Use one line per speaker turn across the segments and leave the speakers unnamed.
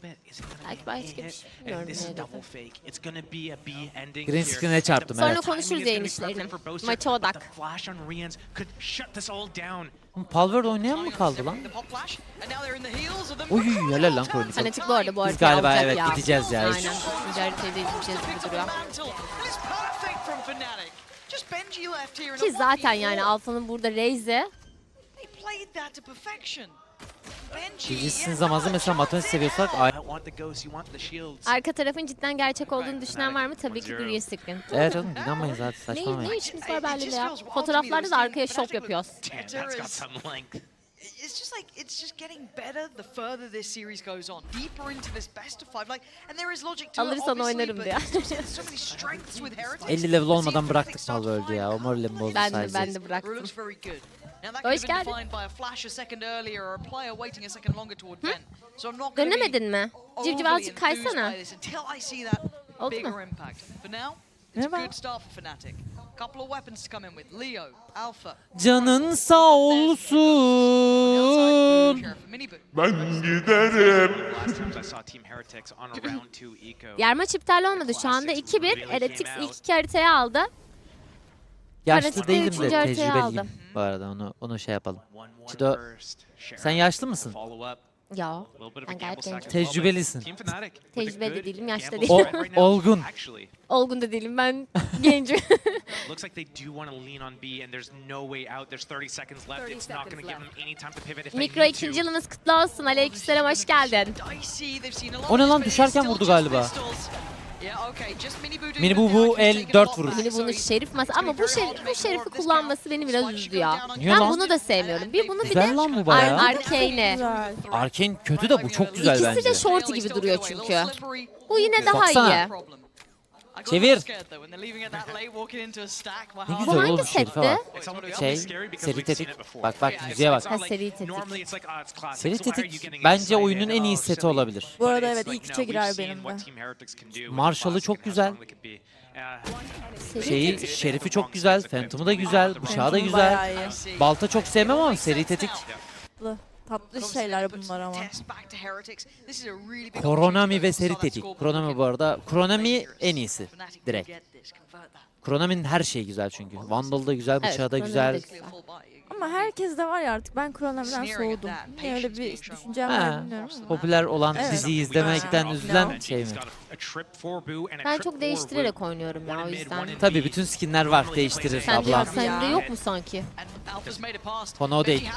Belki başka bir şey bilmiyorum.
Green screen'e çarptım,
Sonra
evet.
konuşuruz yayın işlerini. Maça odak.
Palworld oynayan mı kaldı lan? Uy helal lan Kronik.
Fanatik bu arada bu
Biz
haritayı
galiba
alacak
evet
ya.
gideceğiz ya.
Aynen. Üçüncü haritayı da izleyeceğiz gibi duruyor. Ki zaten yani Alpha'nın burada Raze'e
Bilgisizsiniz ama mesela matematik seviyorsak
arka tarafın cidden gerçek olduğunu düşünen var mı? Tabii ki Green Screen.
evet oğlum inanmayın zaten
Ne
saçmalamayın.
işimiz var Berlin'de ya? Fotoğraflarda da arkaya şop yapıyoruz.
It's just like it's just getting better the further this series goes on, deeper into this best of five. Like, and there is logic to it,
Alırsan
obviously,
oynarım
but
diyor.
there's so many strengths with Heretics.
50 level olmadan
Seeing
bıraktık
Heretics start to
Palworld'u ya. O
find
moralimi bozdu
Ben
sadece.
de bıraktım.
looks very good. Now that
Hoş
could have been
geldin.
defined by a flash a second earlier or a player waiting a second longer to advent. So I'm not going to be
Dönemedin mi? Civciv
overly
azıcık kaysana.
enthused by this until I see that
Oldu
bigger
mu?
impact. For now, it's a
Merhaba.
good start for Fnatic. Couple of weapons to come in with Leo, Alpha.
Canın sağ olsun.
Ben giderim.
Diğer maç iptal olmadı. Şu anda 2-1. Heretics ilk iki haritayı aldı.
Yaşlı
Fanatik de
değilim de
üçüncü haritayı
tecrübeliyim.
aldı.
Bu arada onu şey yapalım. Çido, sen yaşlı mısın?
Ya ben gayet gencim.
Tecrübelisin.
Tecrübe de değilim, yaşta
O,
değilim.
olgun.
Olgun da değilim, ben gencim.
Looks like they do want to lean on B and there's no way out. There's 30 seconds left. It's not going to give them any time to pivot if they
Mikro
need
ikinci
to.
yılınız kutlu olsun. Aleykümselam, hoş geldin.
O ne lan, düşerken vurdu galiba. Mini bu el 4 vurur.
Yine bunu Şerif masa ama bu Şerif'i kullanması beni biraz üzdü ya.
Niye
Ben
lan?
bunu da sevmiyorum. Bir bunu bir
Güzel
de
lan bu bayağı.
Arcane'e.
Güzel.
Arkane kötü de bu çok güzel
İkisi
bence.
de shorty gibi duruyor çünkü. Bu yine daha
Baksana.
iyi.
Çevir.
Ne
Ne
Bu
güzel
hangi
oğlum Şerife bak.
setti?
Şey, seri tetik. Bak müziğe bak.
Ha, seri tetik.
Seri tetik bence oyunun en iyi seti olabilir.
Bu arada evet ilk üçe girer benim de.
Marshall'ı çok güzel.
Seri
Şeyi,
tetik.
Şerif'i çok güzel. Phantom'u da güzel. Bıçağı da güzel.
Bayağı iyi.
Balta çok sevmem ama seri tetik.
Tatlı şeyler bunlar ama.
Koronami ve seri tetik. Koronami bu arada. Koronami en iyisi. Direkt. Konami'nin her şeyi güzel çünkü. Vandal da güzel,
Evet,
bıçağı da
Konami
güzel.
de güzel.
Ama herkes de var ya artık ben Kronomi'den soğudum. Niye öyle bir düşüncem
Ha,
var bilmiyorum ama.
popüler olan
Evet.
diziyi izlemekten üzülen şey mi?
Ben çok değiştirerek oynuyorum ya, o yüzden.
Tabii bütün skinler var, değiştirir
Sence
abla.
sende yok mu sanki?
Konu o değil.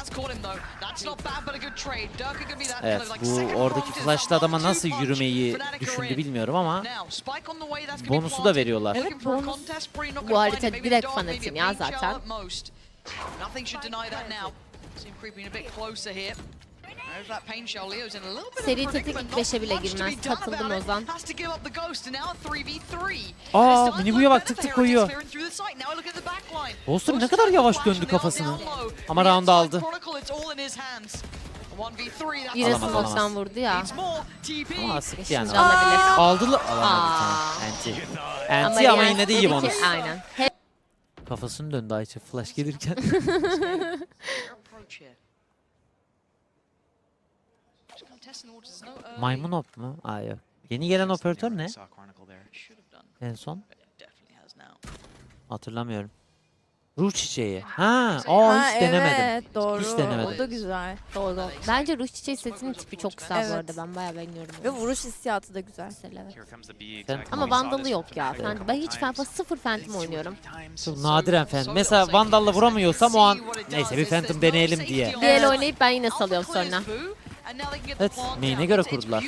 Evet, bu oradaki flashlı adama nasıl yürümeyi düşündü bilmiyorum ama bonusu da veriyorlar.
Evet, bonus.
Bu harita direkt fanatim ya zaten. Seri tetik ilk 5'e bile girmez. Katıldım Ozan.
Aa, Minibu'ya bak, tık tık koyuyor. Dostum ne kadar yavaş döndü kafasını. Ama round aldı.
Yine
Alamaz,
smoke'tan
alamaz.
vurdu ya.
Ama sıktı yani.
Şimdi alabilir.
Aldı alamadı
Aa.
tamam. Anti ama
yani
yine de iyi
dedi ki-
bonus.
Aynen. Hep
Kafasını döndü Ayça flash gelirken. Maymun op mu? Aa yok. Yeni gelen operatör ne? En son? Hatırlamıyorum. Ruh çiçeği. Ha, hiç denemedim.
Evet doğru.
Hiç denemedim.
O da güzel.
doğru. Bence Ruh Çiçeği setinin tipi çok güzel bu
Evet.
arada. Ben bayağı beğeniyorum.
Ve vuruş hissiyatı da güzel.
Mesela, evet.
Sen-
Ama Vandal'ı yok ya. Ben hiç sıfır Phantom oynuyorum.
Çok nadiren Phantom. Mesela Vandal'la vuramıyorsam o an neyse bir Phantom deneyelim diye.
Diğer oynayıp ben yine salıyorum sonra.
Evet, main'e göre kurdular.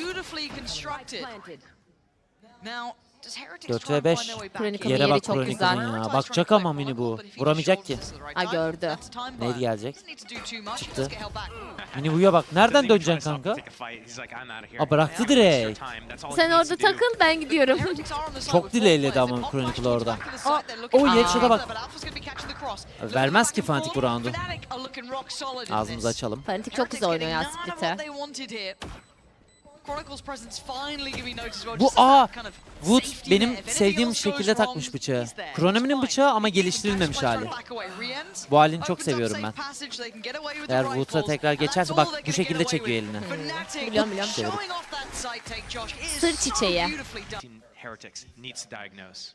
4 ve 5.
Chronicle'ın
Yere
yeri
bak
çok
Chronicle'ın
güzel.
ya. Bakacak ama Mini bu. Vuramayacak ki.
Ha, gördü.
Neydi gelecek? Çıktı. Mini bu'ya bak. Nereden döneceksin kanka? Aa, bıraktı direkt.
Sen orada takıl, ben gidiyorum.
Çok dileyledi ama Chronicle orada. O headshot'a bak. Vermez ki Fnatic bu roundu. Ağzımızı açalım.
Fanatik çok güzel oynuyor ya Split'e.
Bu Wood benim sevdiğim şekilde takmış bıçağı. Kronomi'nin bıçağı ama geliştirilmemiş hali. Bu halini çok seviyorum ben. Eğer Wood'a tekrar geçerse bak bu şekilde çekiyor elini.
Biliyorum. Sır çiçeği.
Heretics needs to diagnose.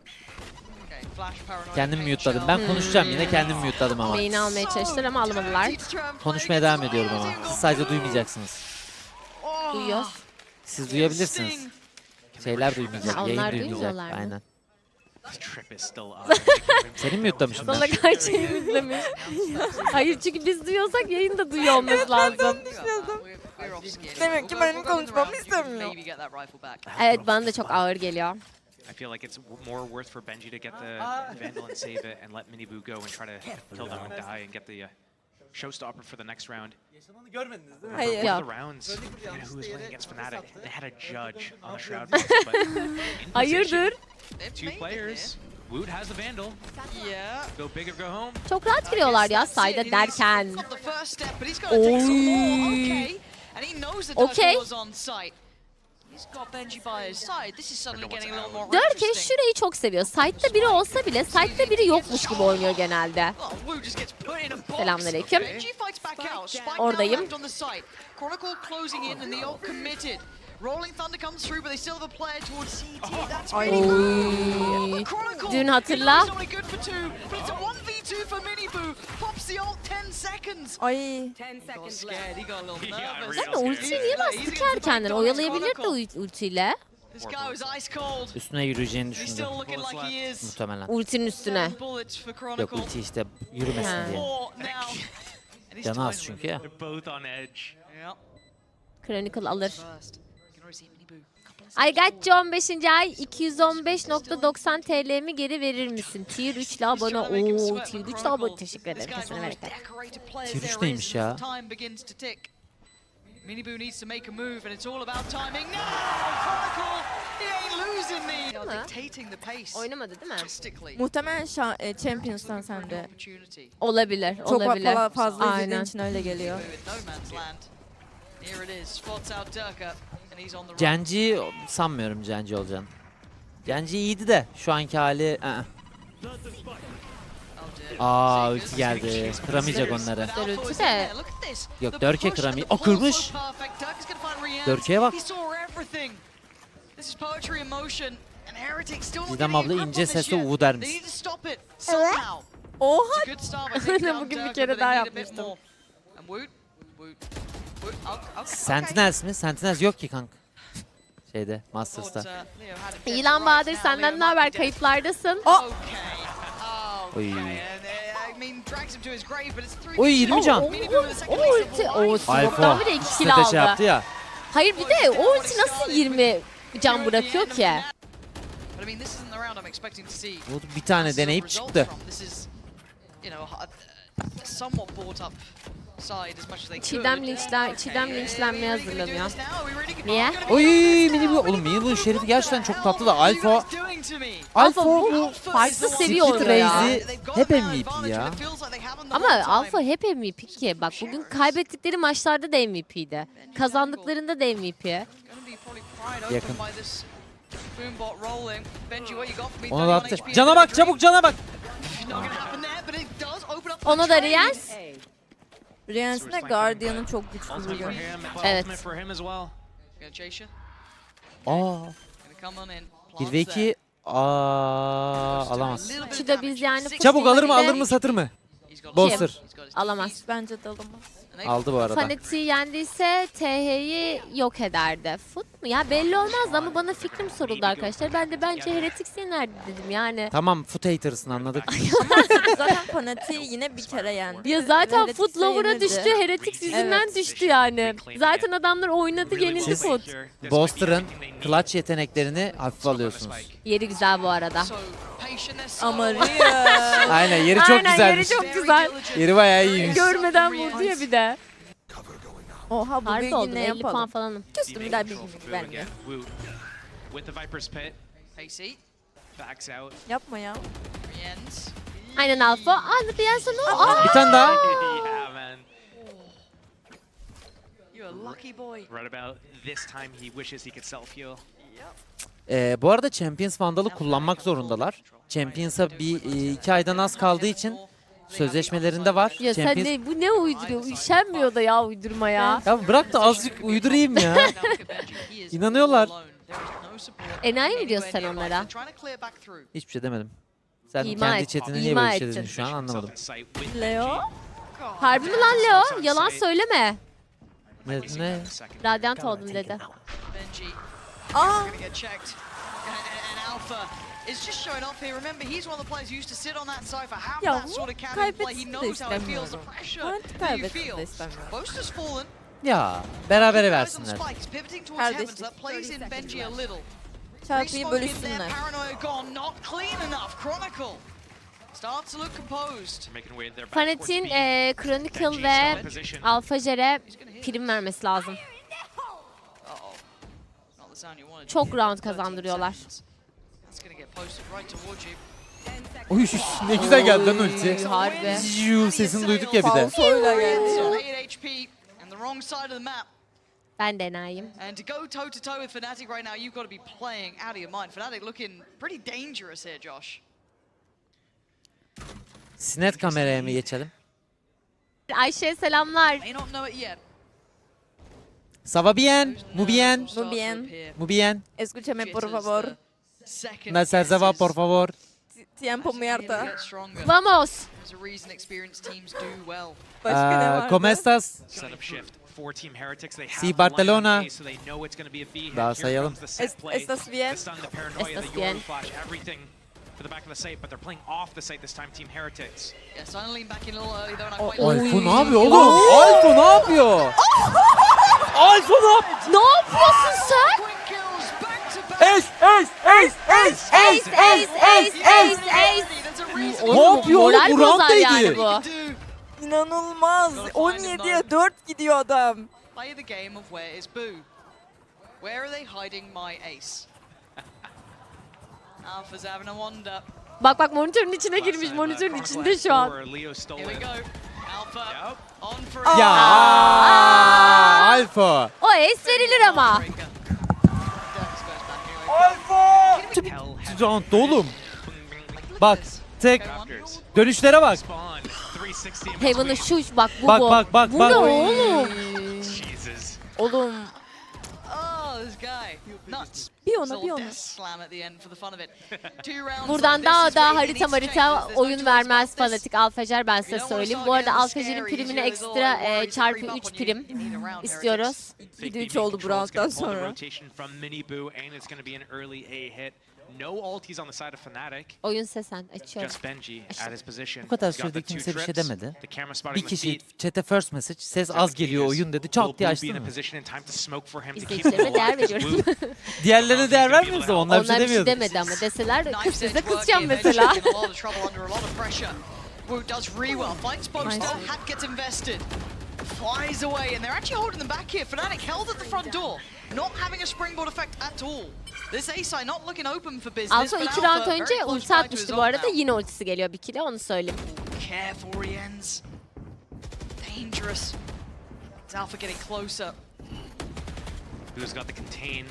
Kendim mute'ladım. Ben konuşacağım yine kendim mute'ladım ama.
Main'i almaya çalıştılar ama alamadılar.
Konuşmaya devam ediyorum ama. Siz sadece duymayacaksınız.
Duyuyoruz.
Siz duyabilirsiniz. Şeyler duymayacak.
Ha,
Yayın
onlar
duymayacak.
duymuyorlar mı?
Aynen.
This trip is still up.
Seni mute'lamışım ben.
Sana gerçeği izlemiş. Hayır çünkü biz duyuyorsak yayın da duyuyor olması lazım.
Demek ki benim konuşmamı istemiyor.
Evet bana da çok ağır geliyor.
I feel like it's more worth for Benji to get the Vandal and save it and let Minibu go and try to kill them and die and get the showstopper for the next round.
Hayır.
One
Yeah.
of the rounds, you know, who was playing against Fnatic, they had a judge on the Shroud box, but in
Hayırdır?
position, 2 players. Woot has the Vandal. Go big or go home.
Çok rahat giriyorlar ya sayda derken. Okay. Dörke şurayı çok seviyor. Side'da biri olsa bile side'da biri yokmuş gibi oynuyor genelde. Selamünaleyküm. Oradayım. Oy. Dün hatırla.
Ay.
Sen de ultiyi niye bastı ki erkenden? Oyalayabilir de ultiyle.
Üstüne yürüyeceğini düşündü. Muhtemelen.
Ultinin üstüne.
Yok ulti işte yürümesin diye. Canı az çünkü ya.
They're both on edge.
Chronicle alır. I got you 15. ay 215.90 TL'mi geri verir misin? Tier 3 ile abone. Ooo Tier 3 ile abone. Teşekkür ederim. Kesene bereket.
Tier 3 neymiş ya?
Minibu needs to make a move and it's all about timing. No! Chronicle! He ain't losing me! Dictating the pace.
Oynamadı değil mi?
Drastically.
Muhtemelen Champions'tan sende.
Opportunity.
Olabilir.
Çok
Olabilir.
fazla izlediğin
Aynen.
için öyle geliyor.
With no man's land. Here it is. Spots out Durka and he's on the run.
Genji sanmıyorum Genji olacağını. Genji iyiydi de şu anki hali. Aa ulti geldi. Kıramayacak onları.
Ulti de.
Yok Dörke kıramıyor. O kırmış. Dörke'ye bak. Didem abla ince sesle uvu dermiş.
Oha.
Bugün bir kere daha yapmıştım.
Sentinels mi? Sentinels yok ki kanka. Şeyde Masters'ta.
İlan Bahadır senden ne haber? Kayıplardasın.
Oy. Oy 20 can.
O ulti. O smoke'dan bile 2
İkisi
kill
de şey
aldı.
yaptı ya.
Hayır bir de o ulti nasıl 20 can bırakıyor ki?
Bu bir tane deneyip çıktı.
Çiğdem linçlenmeye hazırlanıyor. Niye?
Oy Minibu. Oğlum Minibu'nun şerifi gerçekten çok tatlı da Alpha bu
farklı seviye
Split
oynuyor ya.
Raze'i hep MVP ya.
Ama Alpha hep MVP ki. Bak bugün kaybettikleri maçlarda da MVP'di. Kazandıklarında da MVP.
Yakın. Ona da attı. Cana bak çabuk cana bak.
Ona da Riyaz.
Riyans'ın da Guardian'ı çok güçlü
Ultimate for
bugün.
him.
Evet.
Ultimate for him as well.
Aa. 1 ve 2. Aa alamaz.
Çiğde biz yani
Çabuk alır mı
Fnatic'te
alır mı satır mı? Bolster.
alamaz.
Bence de alamaz.
Aldı bu arada.
Fnatic'i yendiyse TH'yi yok ederdi. Foot mu? Ya belli olmazdı ama bana fikrim soruldu arkadaşlar. Ben de bence Heretics yenerdi dedim yani.
Tamam foot haters'ın anladık.
Zaten Fnatic'i yine bir kere yendi.
Ya zaten
Heretics'e
Foot Lover'a
yenildi.
düştü. Heretics yüzünden düştü yani. Zaten adamlar oynadı yenildi
Siz-
Foot.
Bolster'ın clutch yeteneklerini hafife alıyorsunuz.
Yeri güzel bu arada.
Ama Riyans.
Aynen yeri çok
Aynen
güzelmiş.
yeri çok güzel.
Yeri bayağı iyiymiş.
Görmeden vurdu ya bir de.
Oha bu
Harbi
bilgi
oldum
ne
50 puan
yapalım?
falanım.
Küstüm bir daha bilgi vermiyor.
Woot with the Viper's pit. Backs out.
Yapma ya.
Aynen Alfa. Anladı ya sana. Aa!
Bir tane daha.
Yeah, man.
You're a lucky boy.
Right about this time he wishes he could self-heal.
Bu arada Champions Vandal'ı kullanmak zorundalar. Champions'a bir 2 aydan az kaldığı için sözleşmelerinde var.
Ya sen
Champions...
ne, bu ne uyduruyor? Üşenmiyor da ya uydurmaya.
Ya bırak da azıcık uydurayım ya. İnanıyorlar.
Enayi mi diyorsun sen onlara?
Hiçbir şey demedim. Sen
İma
kendi
et-
chatine niye
ima
böyle bir şey
ettin.
dedin şu an anlamadım.
Leo.
Harbi mi lan Leo? Yalan söyleme.
Ne?
Radyant oldum dedi.
Benji
Aa,
gonna get checked. And Alpha is just showing off here. Remember, he's one of the players who used to sit on that side have
ya
that
bu
sort of cannon play. He
kaybetsin de
knows how it feels, the
istemiyorum.
pressure
Artık
that you
kaybetsin
feel.
de istemiyorum.
Boast has fallen.
Ya berabere
Guys on
versinler.
Spike, he's pivoting towards
Kardeşlik.
Heavens. That plays in Benji a little.
Çarpıyı
Resmoke in there,
bölüşsünler.
paranoia gone, not clean enough. Chronicle starts to look composed.
Making way their back
Fnatic'in
towards B.
Chronicle ve Alpha Jere prim vermesi lazım.
Uh-oh. Not the sound you wanted.
Çok round
13
kazandırıyorlar.
seconds. That's gonna get posted right towards you.
Oy ne güzel geldi lan ulti.
Harbi.
Ziyu sesini duyduk ya bir de.
Falsoyla geldi
It's on
ya.
8 HP and the wrong side of the map.
Ben de enayiyim.
And to go toe to toe with Fnatic right now, you've got to be playing out of your mind. Fnatic looking pretty dangerous here, Josh.
Sinet kameraya mı geçelim?
Ayşe'ye selamlar.
May not know it yet.
Ça va bien? Muy bien?
Muy
bien.
Muy bien?
Escúchame por favor.
Me se va por favor.
Tiempo muerto.
Vamos.
There's a reason experienced teams do well.
Başka ne vardı?
¿Cómo estás?
Setup shift. 4-team Heretics. They have
Sí,
the
Barcelona.
line on A, so they know it's going to be a B hit.
Daha
Here
sayalım.
comes the set play.
Estás bien?
The stun, the paranoia,
Estás
the
bien.
Yoru flash, everything for the back of the site, but they're playing off the site this time, Team Heretics.
Yeah, so I'm lean back in a little early though, and I
Oh,
quite
oh.
like
Alfa ne yapıyor oğlum? Alfa ne yapıyor? Alfa ne yapıyor?
Ne yapıyorsun sen?
quick kills back to back.
Ace, ace, ace, ace,
Ace, ace, ace, ace, ace.
There's a reason
Ne yapıyor oğlum?
Moral
Bu
bozar yani
rounddaydı.
bu.
do.
İnanılmaz. 17'ye 4 gidiyor adam.
Play the game of where is Boo? Where are they hiding my ace? Alpha's having a wander.
Bak bak monitörün içine
Last
girmiş.
time,
Monitörün
Chronicle
içinde
had
şu an.
four, Leo stole
Here we
it.
go. Alpha
Yep.
on for
Ya
Aa!
Alfa.
O ace verilir ama.
Şu roundda oğlum. Bak tek
Raptors.
dönüşlere bak.
Spawn. 360 in
Heaven'ı
between.
şu bak bu
Bak,
bu.
bak, bak,
Bu
bak.
ne oğlum?
Jesus.
Oğlum
Oh, this guy. Nuts.
bir ona
Little
bir ona.
death slam at the end for the fun of it. 2 rounds.
Buradan
This
daha
is where
da
he
harita
needs to
marita
change this. There's no
oyun
choice
vermez
about this.
fanatik Alfajer ben size
You don't wanna
söyleyeyim.
start
Bu arada
getting
Alfajer'in
scary,
primine
these
ekstra
little worries
çarpı
creep up
3
on you.
prim
You need a round,
istiyoruz.
Fake
2-3
B main
oldu bu
control is gonna
rounddan
pull the
sonra.
rotation from Mini Boo, and it's going to be an early A hit. No ultis on the side of Fnatic.
Oyun sesen açıyorum.
Just Benji
İşte.
at his position.
Bu kadar
He's got
sürede
the two
kimse bir şey
trips,
demedi.
the camera spotting
Bir
the
kişi
feet.
chat'e first message ses az geliyor oyun dedi. Çat diye açtın mı?
İzleyicilerime değer veriyorum.
Diğerlerine değer vermiyorsa onlar bir şey
Onlar bir şey
demiyordu.
demedi ama deseler
Knife
kız size
edge work
kızacağım
here.
mesela.
Benji's in a lot of trouble under a lot of pressure. Wu does re well. Finds poster.
Nice.
Hat gets invested. Flies away, and they're actually holding them back here. Fnatic held at the front door, not having a springboard effect at all. This A-side not looking open for business.
Alfa
but
2
Alpha
round
very
önce
close
ulti
by to
atmıştı
his
bu
own
arada.
now.
Yine ultisi geliyor bir kere onu söyleyeyim.
Careful where he ends. Dangerous. It's Alpha getting closer.
Who's got the contain?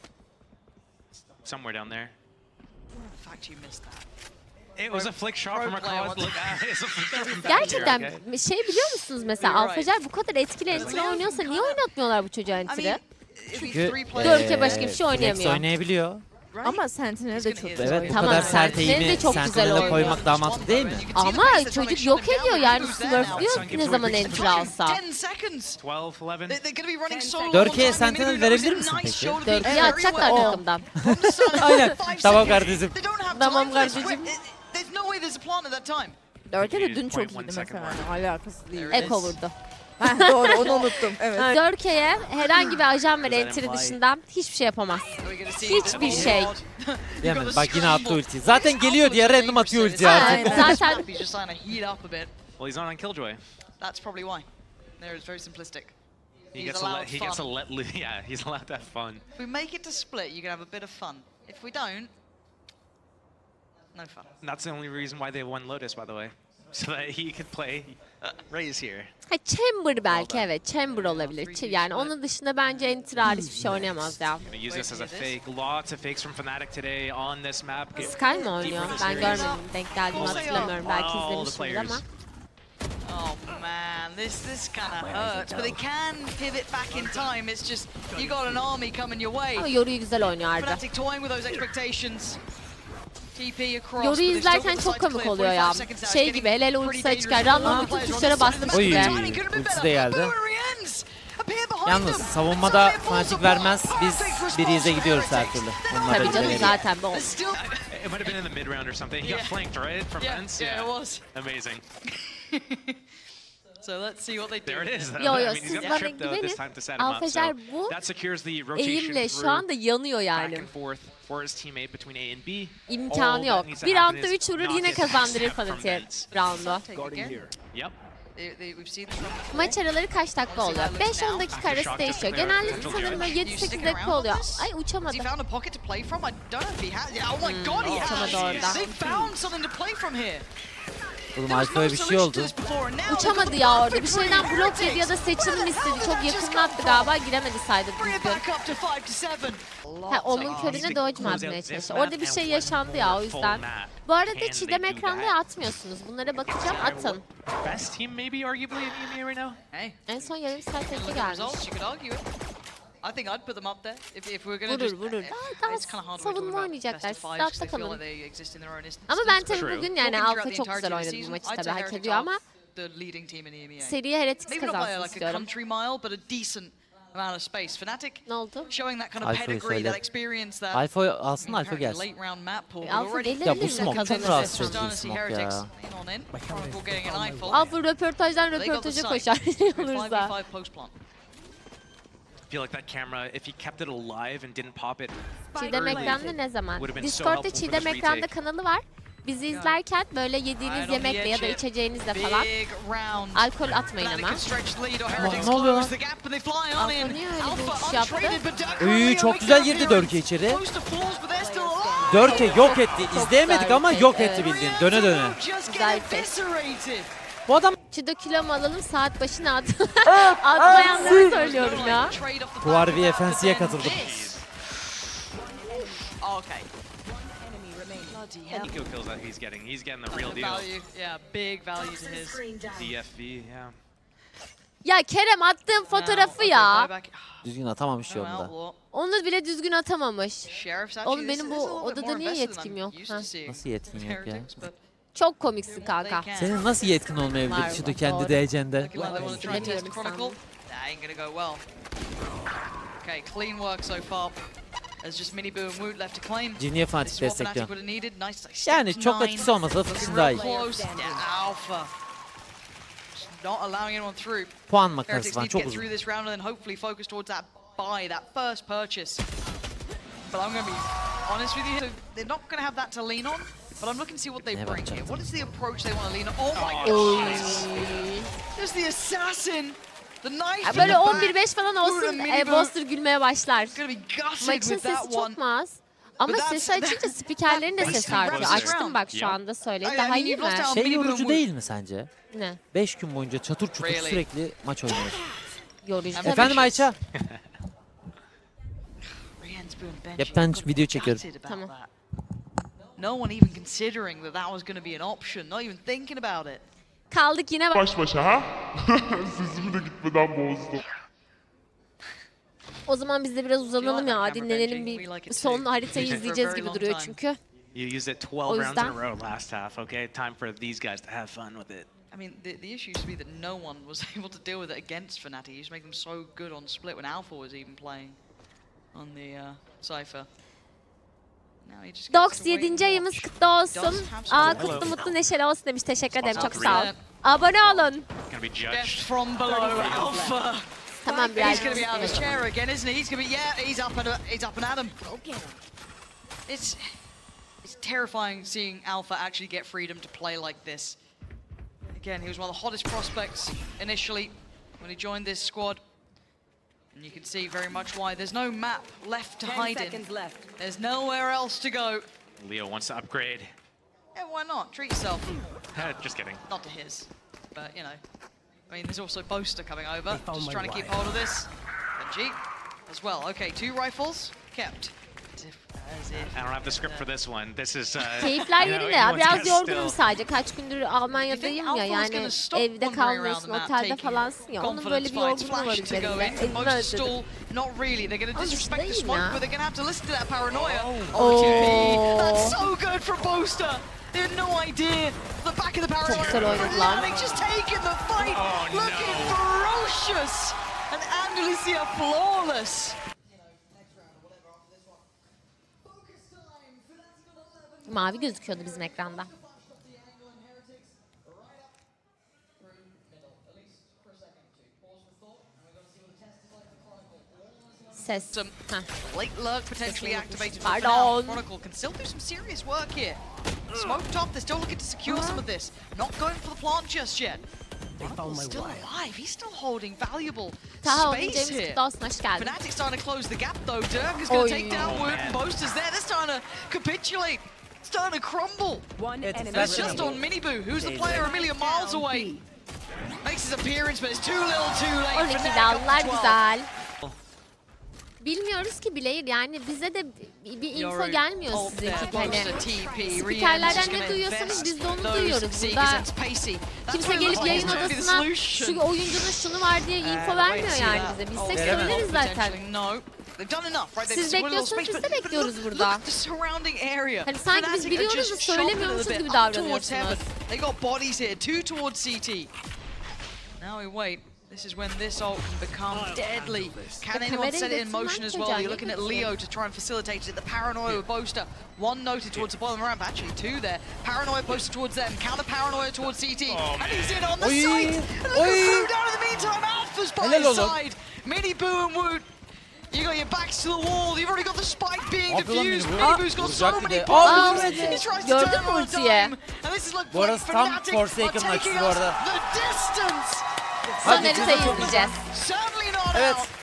Somewhere down there.
In fact, you missed that.
It was a flick shot from
player
across.
wants-
Look, it's a flick shot from back
Gerçekten
here, okay?
şey biliyor musunuz mesela
You're right.
Alfajer bu kadar etkili entry oynuyorsa niye oynatmıyorlar bu çocuğa
I mean,
entry?
it'd be
Çünkü
three
Dört
players,
kere başka bir şey oynayamıyor.
Flex oynayabiliyor.
right?
Ama Sentinel de çok
Evet,
güzel
Evet bu
oynuyor.
Tamam,
kadar
Sentinel
sert
de
eğimi
çok güzel
Sentinel'e
oynuyor.
koymak daha mantıklı değil mi?
Ama çocuk yok ediyor yani smurflüyor ne zaman entry alsa.
10 seconds.
12, 11.
They're going to be running solo.
Dörke'ye
one time.
Sentinel
Maybe
verebilir
it was
misin
a nice
peki?
show to be
Dörke'yi
very
atacaklar
well.
takımdan.
From the start,
Aynen.
5
Tamam
seconds.
kardeşim.
They don't have
Tamam
time for this.
kardeşim.
There's no way there's a plan at that time.
Dörke de dün
0.1
çok iyiydi
second
mesela. Alakası değil.
Evet.
Eko vurdu.
Heh, doğru onu unuttum. Evet.
Dörke'ye herhangi bir ajan ve entry dışından hiçbir şey yapamaz.
We're gonna see
Hiçbir
the
şey.
board.
Diyemez. Bak yine attı ultiyi. Zaten geliyor diye random atıyor ultiyi artık.
Aynen. Zaten-
He's just trying to heat up a bit.
Well, he's not on Killjoy.
That's probably why. There is very simplistic.
He
He's
gets to
allowed
let, he gets
fun.
to let loose. Yeah, he's allowed to have fun.
If we make it to split, you can have a bit of fun. If we don't, no fun.
And that's the only reason why they won Lotus, by the way. so that he could play Raze here.
Ha, Chamber belki evet. Chamber olabilir. Yani onun dışında bence Enter hariç bir şey oynayamaz ya.
Gonna use this as a fake. Lots of fakes from Fnatic today on this map.
Sky mı oynuyor? Ben görmedim. Denk geldiğimi hatırlamıyorum. Belki izlemişimdir ama.
Oh man, this kind of hurts, but they can pivot back in time. It's just you got an army coming your
Ama
way.
Yoru'yu güzel oynuyor Arda.
Fnatic toying with those expectations. TP across.
Yoru'yu izlerken çok komik oluyor ya. Şey gibi hele hele ultisi açıkken random bütün tuşlara bastım
Oy,
gibi.
ultisi de geldi. Yalnız savunmada Fnatic vermez. Biz Breeze'e gidiyoruz her türlü. Onlar
Tabii
da
canım
bize
zaten bu.
It might have been in the mid round or something. He got flanked, right? From Vents?
Yeah, it was.
Amazing.
So let's see what they do.
There it is.
Yo,
I
yo,
mean, he's
siz
got the
bana
trip though this
güvenin.
time to set him up. So
Alfajer bu
that secures the rotation
eğimle şu
through
anda yanıyor
back
yani.
and forth for his teammate between A and B.
İmkanı
All that
yok.
needs to
Bir
happen
roundda
is
3 vurur
not
yine
get
kazandırır
backstab from
Fnatic'e
Vents.
roundu.
Take again.
Yep.
We've seen this from before.
Maç araları kaç dakika oluyor? 5-10 dakika arası değişiyor. Genelde sanırım böyle 7-8 dakika oluyor. Ay
Has he
uçamadım.
found a pocket to play from? I don't know if he has. Yeah, oh my god, he
uçamadı
has!
orada.
They found something to play from here.
Oğlum Alfa'ya bir şey oldu.
Uçamadı ya orada. Bir şeyden blok yedi ya da seçilim istedi. Çok yakından attı galiba. Giremedi saydı
Bring it
düzgün.
back up to 5 to 7.
Ha, onun körüne dodge mu atmaya çalıştı? Orada bir şey yaşandı ya o yüzden. Bu arada Çiğdem ekranda atmıyorsunuz. Bunlara bakacağım atın.
Best team maybe arguably in EMEA right now.
Hey,
En son yarım saat önce
look at the
gelmiş.
results. You could argue it. I think I'd put them up there if we're gonna
Vurur,
just.
vurur. Daha
It's kind of hard to talk
savunma
about
oynayacaklar.
best of
Siz
fives 'cause
rahatta
they feel
kalın.
like they exist in their own instance.
Ama ben
True.
tabii bugün yani
Looking
Alfa
throughout the
çok
entirety
güzel
of the
oynadı bu
season,
maçı
I'd
tabii
say
hak
Heretics
ediyor
are
ama
the leading team in EMEA.
seriye Heretics
Maybe not by
kazansın
like a
istiyorum.
country mile, but a decent amount of space. Fnatic
Ne oldu?
showing that kind of
Alfa'yı
pedigree,
söyle.
that experience, that
Alfa alsın, Alfa
apparently
gelsin.
late round map pool.
Alfa
Already
gelir
Ya bu
mi
smoke çok
kazanır?
rahatsız
starting
edici
to see
smoke
Heretics
ya.
in on in. Chronicle getting an eyeful.
Alfa röportajdan
They got the
röportaja
site.
koşar olursa.
5v5 post plant.
I feel like that camera, if he kept it alive and didn't pop it
Çiğdem
early,
ekranda ne zaman?
Would've been so
Discord'da
helpful for
Çiğdem
this
ekranda
retake.
kanalı var. Bizi izlerken böyle yediğiniz
Right on the
yemekle ya da
edge.
içeceğinizle falan
Big round.
alkol atmayın
Fnatic
ama.
can stretch the lead or Heretics
ne oluyor
close
lan?
the gap and they fly on
Alfa
in.
niye öyle bir
Alpha
uçuş yaptı?
untraded, but Dark
Uy,
Romeo
çok
making
güzel
an
girdi
appearance.
Dörke içeri.
Close to falls, but they're still alive.
Dörke yok etti.
Çok
İzleyemedik
güzel
ama
bir
yok
şey,
etti
evet.
bildiğin. Döne döne.
Just
Güzel
get
bir şey.
eviscerated.
Bu adam
Çido kilo mu alalım saat başına at. Atmayanları söylüyorum ya.
Trade off the
Tuvar
back
bir
of that,
FNC'ye
but then
katıldım.
this. Okay. Bloody hell.
Eco kills that he's getting. He's getting the real deal.
Value, yeah, big value to his.
DFV, yeah.
Ya Kerem attığın fotoğrafı
Now,
ya.
okay, buyback.
düzgün atamamış
No
yolunda.
outlaw.
Onu bile düzgün atamamış.
Sheriff's
Oğlum
actually,
benim
this
bu
is a little bit
odada
more
niye
invested than
yetkim
I'm
yok?
used
Ha.
to seeing
Nasıl yetkin yok ya?
Heretics, but
Çok komiksin kanka.
they can.
Senin nasıl yetkin olmayabilir
Var,
Çido
var,
kendi
doğru.
DC'nde?
Looking like they want to try and
Ne
test
diyorum
Chronicle.
sandım?
That ain't gonna go well. Okay, clean work so far. There's just Miniboo and Woot left to claim.
Ciniye
This
Fatih
is what Fnatic
destekliyor.
would have needed. Nice. Like,
Yani
step
çok
nine.
etkisi olmasa da
Looking
Fırsın
real
daha iyi.
close. Yeah, Alpha. Just not allowing anyone through.
Puan makinesi
Heretics
falan
need to
çok
get through
uzun.
this round and then hopefully focus towards that buy, that first purchase. But I'm going to be honest with you. So they're not going to have that to lean on. But I'm looking to see what they
Ne
bring here.
bakacaktım?
What is the approach they want to lean on? Oh my
Oy.
god! There's the assassin! The knife
Ya
in
böyle
the back.
11-5 falan olsun Boster gülmeye başlar.
He's gonna be gutted
Maçın
with that
sesi
one.
çok mu az? Ama
But that's-
sesi açınca spikerlerin de sesi artıyor. Açtım bak şu anda söyleyeyim.
I
Daha
mean,
iyi
you've lost
mi?
out.
Şey
Minimum
yorucu
wood.
değil mi sence?
Ne?
5 gün boyunca çatır çutur
Really?
sürekli maç oynuyoruz.
Yorucu.
Efendim?
Efendim Ayça?
Rhiann's been benching.
Yap, ben
Got
video çekiyorum.
gutted about
Tamam.
that. No one even considering that was going to be an option. Not even thinking about it.
Kaldık yine bak.
Baş başa ha? Sesimi de gitmeden bozdum.
O zaman biz de biraz uzanalım ya.
camera
Dinlenelim
benching, we like
bir
it
son
too.
haritayı
For a
izleyeceğiz
very
gibi
long
duruyor
time.
çünkü.
You used it 12
O
rounds in a
yüzden-
row last half, okay? Time for these guys to have fun with it.
I mean, the issue used to be that no one was able to deal with it against Fnatic. You used to make them so good on split when Alpha was even playing on the Cypher. Now he just gets
Dox
to wait
7.
and
ayımız
watch.
kutlu olsun.
Does have some
Aa
hello.
kutlu mutlu neşeli olsun demiş. Teşekkür ederim. Çok
Spots
sağ ol.
green.
Abone olun.
Gonna be
Death
judged.
from below, Alpha.
Tamam
He's
biraz.
going to be out of his chair again, isn't he? He's going to be, yeah, he's up and at him. It's terrifying seeing Alpha actually get freedom to play like this. Again, he was one of the hottest prospects initially when he joined this squad. And you can see very much why. There's no map left to hide in. There's nowhere else to go.
Leo wants to upgrade.
Yeah, why not? Treat yourself.
Just kidding.
Not to his, but you know. I mean, there's also Boaster coming over, just trying to keep hold of this. Benji as well. Okay, 2 rifles kept. As if
I don't have the script for this one. This is
Keyifler
you know,
yerinde ya.
anyone's
Biraz
guess
yorgunum
still.
sadece. Kaç gündür Almanya'dayım ya. Yani evde kalmıyorsun, otelde falansın ya. Onun böyle bir yorgunluğu var üzerinde. Evimi özledim.
Not really. They're going to
Ama
disrespect the
değil
smoke,
ya.
but they're going to have to listen to that paranoia.
Oh.
That's so good from Boaster. They had no idea. The back of the paranoia.
güzel oynadılar.
They've just taken the fight.
Oh, no.
Looking ferocious. And Andalusia flawless.
Mavi gözüküyordu bizim ekranda. Ses.
Some
Heh.
late lurk potentially activated. for
Pardon.
now. Chronicle can still do some serious work here. Smoke top, they're still looking to secure some of this. Not going for the plant just yet. Chronicle's still alive. He's still holding valuable
Taha onun
space
James
here.
kutlu olsun, hoş geldin.
Fnatic's starting to close the gap though. Dirk is going to take
Oy.
down Wood and Boaster's there. They're starting to capitulate. Starting to crumble.
One enemy
And it's just on Miniboo, who's the player a million miles away. Makes his appearance, but it's too little too late.
12
Fnatic
aldılar,
up to 12.
güzel. Bilmiyoruz ki Blair, yani bize de bir info gelmiyor
Oh,
sizin
there,
gibi. Hani
Boaster TP,
spikerlerden
Rian's
ne
gonna
duyuyorsanız biz de onu
invest
duyuyoruz.
those
Burada
Seekers and Pacey. That's
kimse
what it
gelip
looks like.
yayın
It's gonna be the
odasına
solution.
şu oyuncunun şunu var diye info vermiyor yani bize. Bilsek
Veremez.
söyleriz zaten.
Potentially, no. They've done enough, right? They've
Siz
secured a little
bekliyorsunuz,
space,
biz de
but
bekliyoruz
look
burada.
at the surrounding area.
Hani sanki biz
Fnatic are
biliyoruz da
just shoving it a
söylemiyormuşuz
bit
gibi
up towards
davranıyorsunuz.
heaven. They got bodies here, 2 towards CT. Now we wait. This is when this ult can become deadly. Can anyone set it in motion as well? You're looking at Leo to try and facilitate it. The paranoia with Boaster. 1 noted towards the bottom ramp, actually 2 there. Paranoia Boaster towards them. Counter paranoia towards CT. And he's in on the
Oy.
site. And look
Oy.
who flew down in the meantime. Alpha's by
Helal
his
oğlum.
side. Mini Boo and Woot. You got your backs to the wall. You've already got the spike being
Yapıyor lan
defused.
Mini Boo.
Mini Boo's got so
Vuracak bir
many
de.
bombs.
vurdu.
He tries to
Gördün
turn
mü
on a
ultiyi?
dime. And this is like
Bu arası tam
Fnatic
Forsaken
are
maçı
taking
bu
us
arada.
the distance.
Son haritayı izleyeceğiz.
Certainly not
Evet.
out.